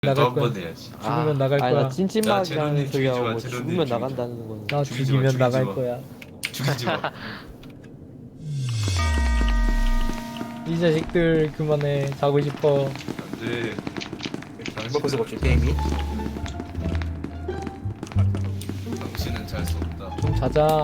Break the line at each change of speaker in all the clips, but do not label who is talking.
나갈
또
거야.
한 번 해야지.
죽으면 나갈
아니
거야.
나 찐찐막이라는
제로님
소리하고
죽이지 마,
뭐
제로님
죽으면
죽이지 마.
나간다는 건
나
죽이지 마,
죽이면
죽이지
나갈
마.
거야.
죽이지 마.
이 자식들 그만해. 자고 싶어.
안돼.
먹고서 없지 게임이.
당신은 잘 수 없다.
좀 자자.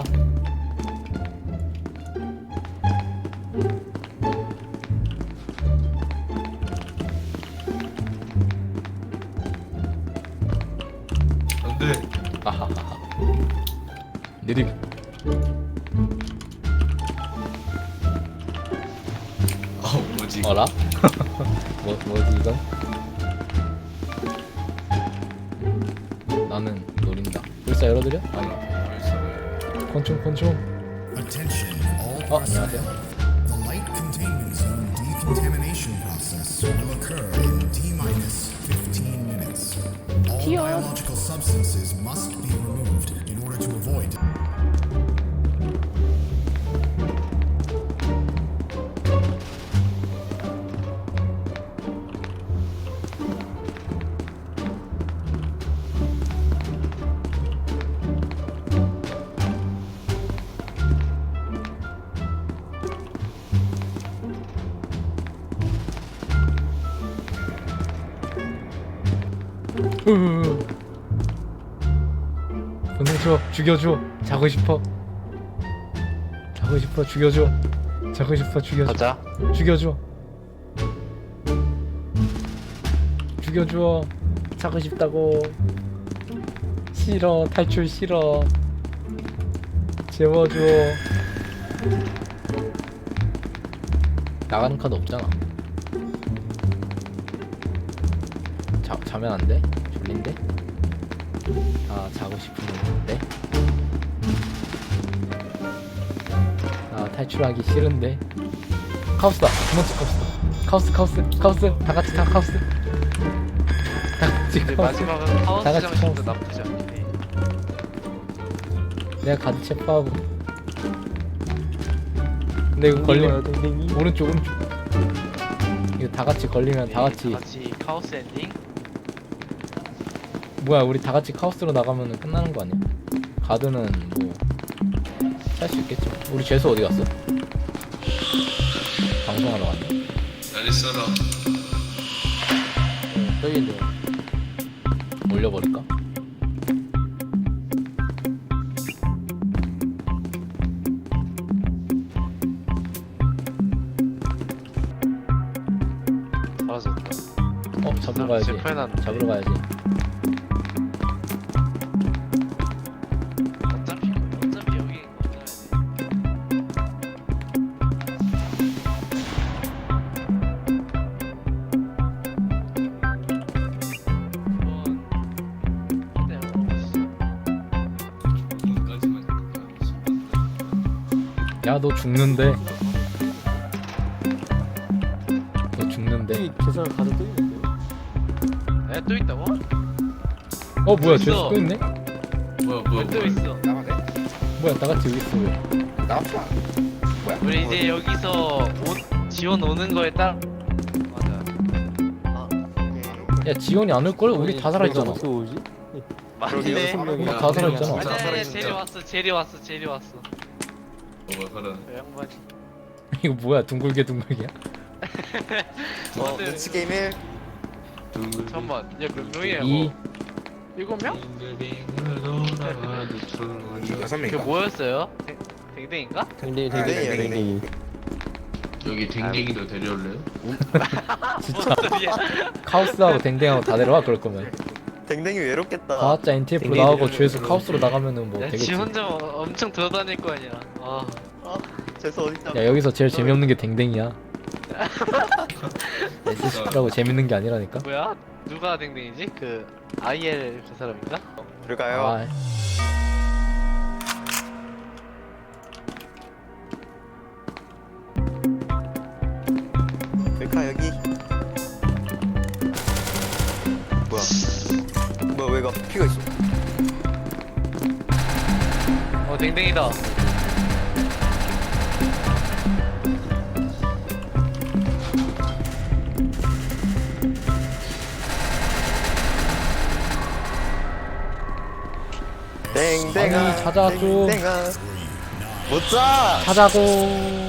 안돼.
아하하하. 느림.
뭐지?
어라? 뭐지 이건? 나는 노린다. 불사 열어드려? 아니.
벌써
권총.
Attention, all
안녕하세요.
The light containment zone decontamination process will occur in T-minus 15 minutes. All biological substances must be removed in order to avoid.
보내줘. 죽여줘. 자고 싶어. 죽여줘.
가자.
죽여줘. 자고 싶다고. 싫어. 탈출 싫어. 재워줘. 나가는 카드 없잖아. 자면 안 돼? 졸린데? 아, 자고 싶은데? 아, 탈출하기 싫은데? 카오스다! 두 번째 카오스! 다 같이 카오스!
근데 마지막은
다
카오스
같이
장식도
카오스.
나쁘지 않네.
내가 가드 체포하고. 근데 이거 걸리면 오른쪽 이거 다 같이 걸리면 다 같이
카오스 엔딩.
뭐야, 우리 다 같이 카오스로 나가면 끝나는 거 아니야? 가드는 뭐 할 수 있겠죠. 우리 죄수 어디 갔어? 방송하러 갔네.
잘 있어라.
저기 있네. 올려버릴까?
사라졌다.
잡으러 가야지.
실패해놨는데.
잡으러 가야지.
어차피 여기
야, 너 죽는데. 너 죽는데.
계산을 가도 또 있는데요? 에? 또 있다고?
뭐야,
있어.
죄수 또 있네?
뭐야.
또 있어.
뭐야, 나같이 여기 있어. 왜?
우리 이제 여기서 지원 오는 거에 따라 맞아.
야, 지원이 안 올걸? 우리 다 살아있잖아.
맞네.
우리 다 살아있잖아.
진짜
아니
살아있어.
제리 왔어.
뭐야, 그런.
그 양반이.
이거 뭐야, 둥글게야?
눈치 게임 1.
잠깐만. 야, 몇 명이야?
2.
7명?
6명.
그 뭐였어요? 댕댕인가?
댕댕이.
여기 댕댕이도 데려올래요?
진짜 카오스하고 댕댕하고 다 데려와, 그럴 거면.
댕댕이 외롭겠다.
가짜 NTF로
댕댕이
나오고
데려오면
죄수 카오스로 나가면은 뭐
야,
되겠지.
지 혼자 엄청 돌아다닐 거 아니야.
재수 어딨다.
야, 여기서 제일 재미없는 게 댕댕이야. SCP라고 재밌는 게 아니라니까.
뭐야? 누가 댕댕이지? 그 IL 그 사람인가?
들어가요.
아,
들어가 여기. 뭐야 왜가 피가 있어?
댕댕이다.
땡땡아
아니, 찾아 좀.
땡땡아 못자
하자고.